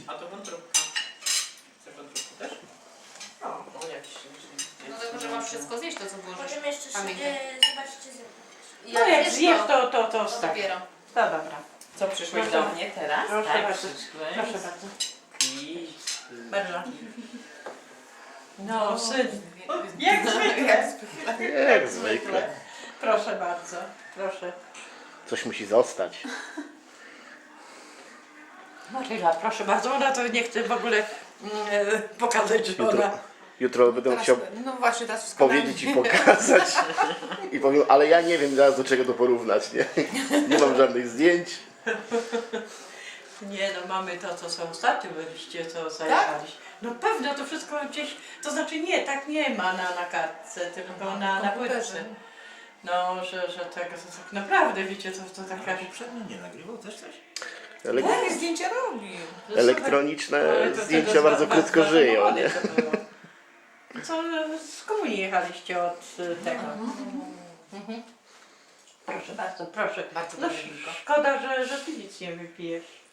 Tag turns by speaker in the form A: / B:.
A: A to wątróbka. Chcesz wątróbkę też?
B: No.
A: No jak się...
C: No to może masz wszystko zjeść to, co włożysz.
D: Możemy jeszcze
C: Pamiętaj.
D: zobaczyć, czy zrobić.
B: No jak zjesz, to
C: To
B: tak.
C: dopiero.
B: To dobra.
A: Co, przyszłeś
B: Proszę.
A: do mnie teraz?
B: Proszę
A: Tak,
B: bardzo.
A: przyszłeś.
B: Proszę bardzo.
A: I...
B: Bardzo. No, syn. Jak
C: Jak
B: zwykle.
E: Jak zwykle.
B: Proszę bardzo. Proszę.
E: Coś musi zostać.
B: Maryla, proszę bardzo. Ona to nie chce w ogóle pokazać, że
E: Jutro,
B: ona...
E: jutro będę
C: Teraz,
E: chciał
C: no właśnie, teraz wszystko
E: powiedzieć i pokazać. I powiem, ale ja nie wiem zaraz do czego to porównać, nie? Nie mam żadnych zdjęć.
B: Nie no, mamy to, co są ostatnio byliście, co zajechaliście. No pewno to wszystko gdzieś, to znaczy nie, tak nie ma na kartce, tylko na płytce. No, że tak naprawdę, wiecie, to taka...
F: Poprzednio nie nagrywał też coś?
C: Jakie zdjęcia robi?
E: Elektroniczne
B: Ale to
E: zdjęcia
B: tego
E: bardzo krótko żyją, nie?
B: to było. Co, z komunii jechaliście od tego. Proszę bardzo, proszę.
C: Bardzo
B: No
C: dobrze, Wilko.
B: szkoda, że ty nic nie wypijesz.